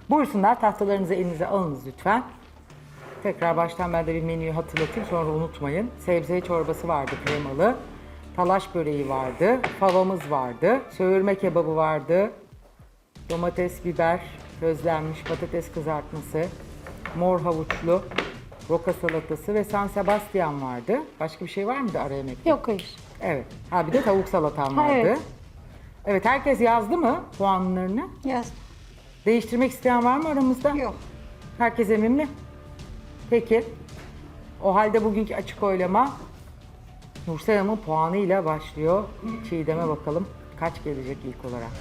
Buyursunlar, tahtalarınızı elinize alınız lütfen. Tekrar baştan ben de bir menüyü hatırlatayım, sonra unutmayın. Sebze çorbası vardı kremalı. Talaş böreği vardı. Favamız vardı. Söğürme kebabı vardı. Domates, biber, közlenmiş patates kızartması. Mor havuçlu roka salatası ve San Sebastian vardı. Başka bir şey var mıydı ara yemekte? Yok hayır. Evet. Ha bir de tavuk salatan Ha, vardı. evet. Evet, herkes yazdı mı puanlarını? Yaz. Değiştirmek isteyen var mı aramızda? Yok. Herkes emin mi? Peki. O halde bugünkü açık oylama Nursel Hanım'ın puanıyla başlıyor. Çiğdem'e bakalım kaç gelecek ilk olarak.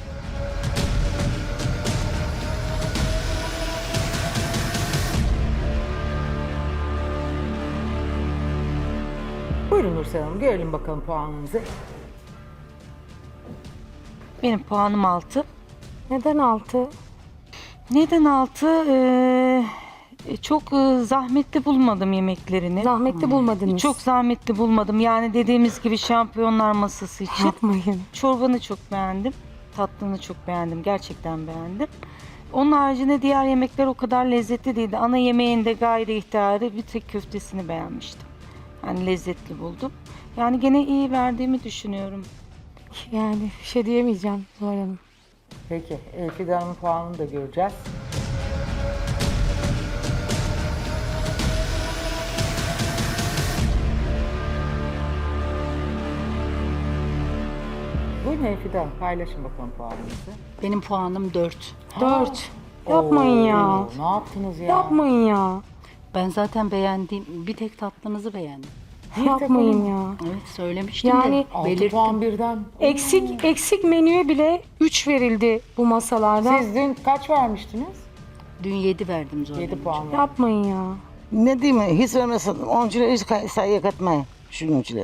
Buyurun Nursel Hanım, görelim bakalım puanınızı. Benim puanım 6. Neden 6? Neden 6? Çok zahmetli bulmadım yemeklerini. Zahmetli bulmadınız. Çok zahmetli bulmadım. Yani dediğimiz gibi şampiyonlar masası için. yapmayın. Çorbanı çok beğendim. Tatlını çok beğendim. Gerçekten beğendim. Onun haricinde diğer yemekler o kadar lezzetli değildi. Ana yemeğinde gayri ihtiyari bir tek köftesini beğenmiştim. Yani lezzetli buldum. Yani gene iyi verdiğimi düşünüyorum. Yani bir şey diyemeyeceğim Zuhal Hanım. Peki, Elfide Hanım'ın puanını da göreceğiz. Buyurun Elfide Hanım, paylaşın bakalım puanınızı. Benim puanım 4. 4. Yapmayın ya. Ne yaptınız ya? Yapmayın ya. Ben zaten beğendiğim bir tek tatlınızı beğendim. Yapmayın ya. Evet söylemiştim Yani- de 6 belirttim. puan birden. Eksik menüye bile 3 verildi bu masalarda. Siz dün kaç vermiştiniz? Dün 7 verdim zaten. 7 puan. Yapmayın ya. Ne diyeyim hiç vermesin. Oyuncular hiç sayıya katmayın. Şu oyuncular.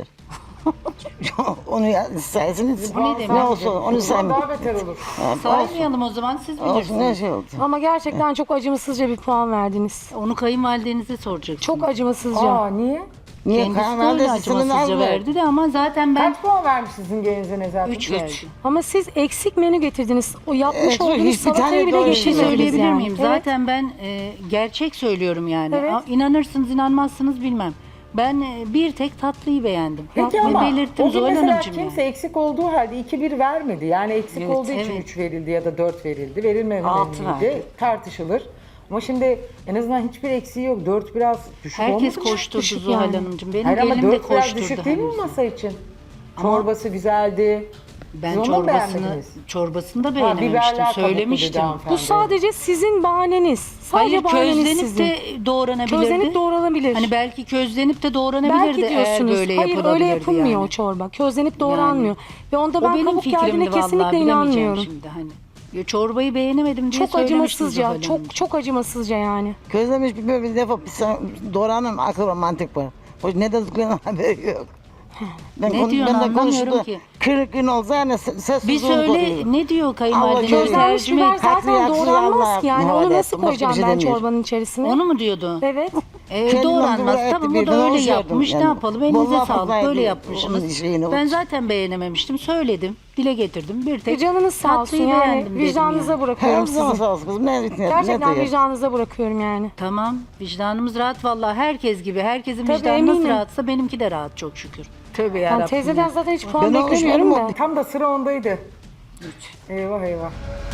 Onu saysınız. Bu ne demek? Ne olsun onu saymayın. Daha beter olur. Saymayalım o zaman siz Olsun ne bilirsiniz. şey oldu. Ama gerçekten çok acımasızca bir puan verdiniz. Onu kayınvalidenize soracaksınız. Çok acımasızca. Aa niye? Niye Kendisi de öyle kayınvalidesi sınırını acımasızca almıyor? verdi de ama zaten ben Kaç puan vermiş sizin gelinize nezaket? 3 verdim. Ama siz eksik menü getirdiniz. O yapmış Evet, olduğunuz hiçbir salatayı tane bile doğru Bir şey Bilmiyorum getirmediniz söyleyebilir yani. miyim? Evet. Zaten ben gerçek söylüyorum yani. Evet. İnanırsınız inanmazsınız bilmem. Ben bir tek tatlıyı beğendim. Peki Ve ama belirttim o gün Zuhal mesela Hanımcığım kimse yani. eksik olduğu halde 2-1 vermedi. Yani eksik Evet, olduğu için evet. 3 verildi ya da 4 verildi. Verilmemeliydi. 6 verdi. Tartışılır. Ama şimdi en azından hiçbir eksiği yok. 4 biraz düşük Herkes olmadı mı? koşturdu Düşük Zuhal yani. Hanımcığım. Benim Hayır ama gelinim de 4 biraz koşturdu. düşük değil mi henüz. masa için? Çorbası güzeldi. Ben Siz onu mu beğenmediniz? çorbasını da biberler beğenememiştim. kabuklu dedi Söylemiştim. hanımefendi. Bu sadece sizin bahaneniz. Sadece Hayır bahaneniz közlenip sizin. de doğranabilirdi. Közlenip doğranabilir. Hani belki közlenip de doğranabilirdi Belki eğer diyorsunuz. böyle Hayır yapılabilirdi öyle yapılmıyor yani. o çorba. Közlenip doğranmıyor. Ve onda O ben benim kabuk geldiğine fikrimdi vallahi kesinlikle bilemeyeceğim inanmıyorum. şimdi hani. Ya çorbayı beğenemedim diye Çok söylemiştim Zuhal acımasızca, Hanımcığım. çok acımasızca yani. Közlemiş bir defa doğranın akıl var mantık var. Hoş ne dediklerinin haberi yok. Ne diyorsun anlamıyorum ki. Kırık gün olsa yani ses Bir söyle ne diyor Allah kayınvalideniz? gözler- Közlenmiş Tercüme biber et. zaten Haklıyı doğranmaz Allah ki yani. havale Onu nasıl etsin, başka bir koyacağım şey ben demiyorum. çorbanın içerisine? Onu mu diyordu? Evet. Kendimden Doğranmaz. böyle Tamam etti o da birden öyle hoş yapmış. gördüm Ne yani. yapalım? Elinize Vallahi sağlık. fazlaydı Böyle onun yapmışsınız. şeyini. Ben zaten beğenememiştim. Söyledim. Dile getirdim. Bir tek Canınız sağ olsun tatlıyı yani. beğendim dedim Vicdanınıza yani. bırakıyorum Her zaman sizi. sağ olsun kızım. Ne Gerçekten diyor? vicdanınıza bırakıyorum yani. Tamam. Vicdanımız rahat vallahi. Herkes gibi. Herkesin Tabii, vicdanı nasıl eminim. rahatsa benimki de rahat çok şükür. Tövbe Ben yarabbim. teyzeden zaten hiç puan Ben o beklemiyorum hoşuma da. Tam da sıra ondaydı. Eyvah eyvah.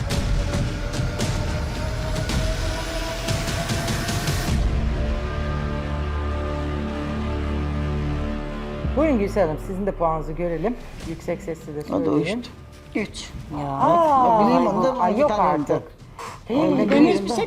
Buyurun Gülsel Hanım, sizin de puanınızı görelim. Yüksek sesle de O da söyleyin. uçtu. 3. Aa, bileyim onu da ay, yok bir tane artık. Ben hiçbir şey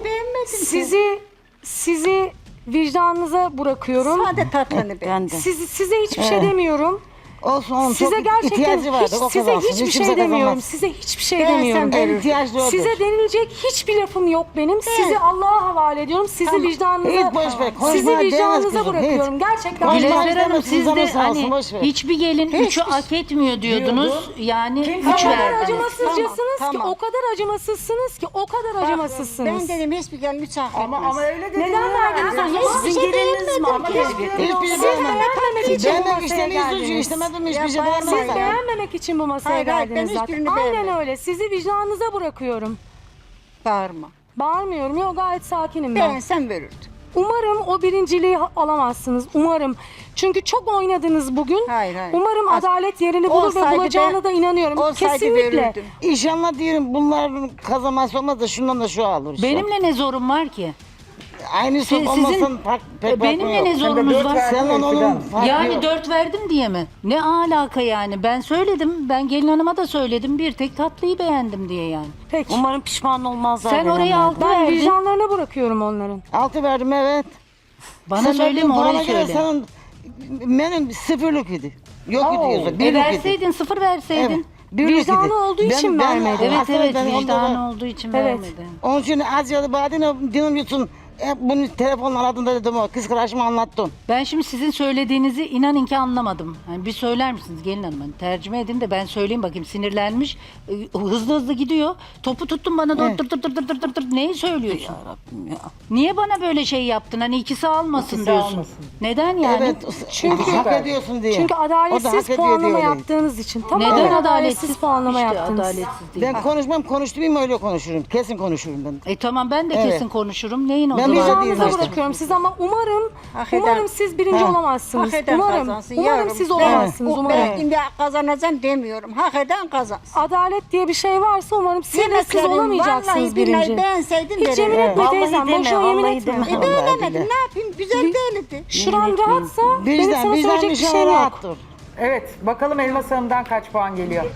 Sizi vicdanınıza bırakıyorum. Sade tatlını be. Size hiçbir şey demiyorum. Olsun onun Size çok gerçekten ihtiyacı vardı. O size kazansın. hiçbir Hiç şey kimse demiyorum. kazanmaz. Size hiçbir şey Beğensen demiyorum. de- En ihtiyaçlı odur. Size denilecek hiçbir lafım yok benim. Sizi Allah'a havale ediyorum. Sizi vicdanınıza, Hiç boş ver. Konuşmaya sizi değmez vicdanınıza kızım, bırakıyorum. Gerçekten Konuşmaya vicdanınıza Gülezer Hanım demezsin, siz de canın sağ olsun, hani boş ver. hiçbir gelin 3'ü hak etmiyor diyordunuz. Yani Kim 3 O kadar verdiniz. acımasızcasınız ki, Tamam. o kadar acımasızsınız ki, o kadar acımasızsınız. Ben dedim hiçbir gelin üç hak Ama etmez. öyle dedi. Neden verdiniz o zaman? Hiçbir şey beğenmedim Ama ki. Hiçbir şey Siz beğenmedim. beğenmemek için bu Beğenmek masaya istediğiniz suçu geldiniz. istemedim hiçbir şey Ya Siz beğenmedim. beğenmemek için bu masaya Hayır, hayır, ben geldiniz zaten. hiçbirini Aynen beğenmedim. öyle. Sizi vicdanınıza bırakıyorum. Bağırma. Bağırmıyorum. Yok, gayet sakinim ben. Beğensen verirdim. Umarım o birinciliği alamazsınız. Umarım. Çünkü çok oynadınız bugün. Hayır, hayır. Umarım adalet yerini bulur ve Olsaydı bulacağına da inanıyorum. olsaydı Kesinlikle. verirdim. İnşallah diyelim bunların kazanması olmaz da şundan da şu alır işte. Benimle ne zorum var ki? Aynı Sizin- olmasın pek benimle ne zorunuz dört var? verdin Sen ya onun Fidan. farkı Yani yok. 4 verdim diye mi? Ne alaka yani? Ben söyledim. Ben gelin hanıma da söyledim. Bir tek tatlıyı beğendim diye yani. Peki. Umarım pişman olmazlar. Sen oraya verenlerden. 6 Ben verdin. vicdanlarına bırakıyorum onların. 6 verdim evet. Bana söyleme, orayı söyle. Senin, benim sıfırlık idi. Yok idi yazık. Birlik idi. Verseydin, 0 verseydin. Evet. Birlik Vicdanı idi. olduğu için vermedi. Evet aslında evet, ben vicdanı onlara- olduğu için Evet. vermedi. Onun için az ya da badine dinlemiyorsun. Hep bunu telefonla aradığında dedim o kız kardeşime anlattım. Ben şimdi sizin söylediğinizi inanın ki anlamadım. Yani bir söyler misiniz gelin hanım? Hani tercüme edin de ben söyleyeyim bakayım, sinirlenmiş. Hızlı hızlı gidiyor. Topu tuttun bana da Evet. dır. Neyi söylüyorsun? Rabbim ya. Niye bana böyle şey yaptın? Hani ikisi almasın İkisi diyorsun. almasın. Neden yani? Evet. Çünkü- hak ediyorsun diye. Çünkü O da hak adaletsiz ediyor puanlama diye öyle. yaptığınız için. Tamamen Neden adaletsiz adaletsiz? puanlama İşte yaptınız. adaletsiz değil. Ben konuşmam konuştuğum öyle konuşurum. Kesin konuşurum ben. Tamam, ben de Evet. kesin konuşurum. Neyin o Ben zaman? vicdanınıza Vicdanınıza işte. bırakıyorum siz ama umarım Hak eder. umarım siz birinci Ha. olamazsınız. Hak eden Umarım. kazansın Umarım yavrum. siz olamazsınız. Ben Umarım. illa kazanacağım demiyorum. Hak eden kazansın. Adalet diye bir şey varsa umarım siz de siz Yemeklerim olamayacaksınız vallahi billahi birinci. beğenseydim Hiç yemin verirdim. etme Vallahi teyzem. deme, Boşuna yemin vallahi etme. deme. Beğenemedim ne yapayım? Güzel değildi. Şuran rahatsa benim sana söyleyecek bir şeyim yok. rahattır. Evet, bakalım Elmas Hanım'dan kaç puan geliyor?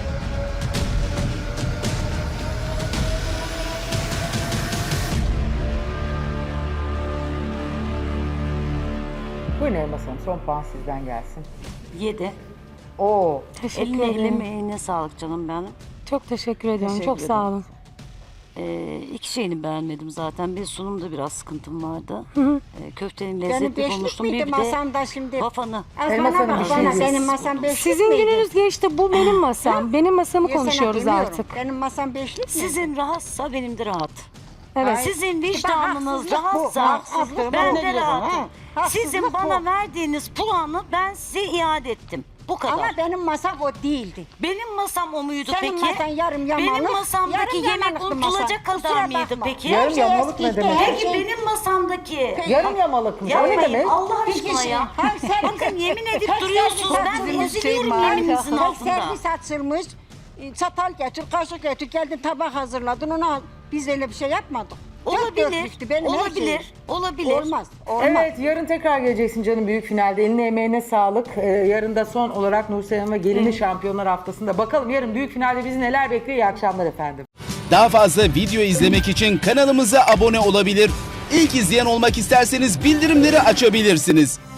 Buyurun Elmas Hanım, son puan sizden gelsin. 7. Oo, Teşekkür Eline ederim. emeğine sağlık canım benim. Çok teşekkür ediyorum. Teşekkür Çok sağ olun. İki şeyini beğenmedim zaten. Bir sunumda biraz sıkıntım vardı. Köftenin Benim lezzetli beşlik bulmuştum. miydi Bir de masamda şimdi? wafanı. Elmas Bana Hanım, bak bir şey bana diyeyim. senin masan beşlik Sizin miydi? gününüz geçti. Bu benim masam. Benim masamı Ya sana konuşuyoruz demiyorum. artık. Benim masam beşlik mi? Sizin rahatsa benim de rahat. Evet. Sizin haksızlık vicdanınız bu, rahatsa haksızlık. ben Ben de ne diyorum, rahatım. ha? Haksızlık Sizin bu. bana verdiğiniz puanı ben size iade ettim. Bu kadar. Ama benim masam o değildi. Benim masam o muydu Senin peki? masan yarım yamalı. Benim masamdaki yarım yemek yamalıktı masa. unutulacak kadar Kusura mıydı bakma. peki? Yarım Her şey yamalık ne eskiydi, demek? her Peki şey- benim masamdaki... yarım yamalıkmış. O ne Yapmayın demek? Allah Bir aşkına kişi- ya. her servis- Bakın yemin edip tek duruyorsunuz. servis Ben açılmış, eziliyorum Tek yemininizin altında. servis açılmış. Çatal getir, kaşık getir, geldin tabak hazırladın ona. Biz öyle bir şey yapmadık. Dört Olabilir, dörtlüktü benim her olabilir, şeyim. olabilir. Olmaz, olmaz. Evet, yarın tekrar geleceksin canım büyük finalde. Eline emeğine sağlık. Yarın da son olarak Nursel Hanım ve gelini Şampiyonlar Haftası'nda. Bakalım yarın büyük finalde bizi neler bekliyor. İyi akşamlar efendim. Daha fazla video izlemek için kanalımıza abone olabilir. İlk izleyen olmak isterseniz bildirimleri açabilirsiniz.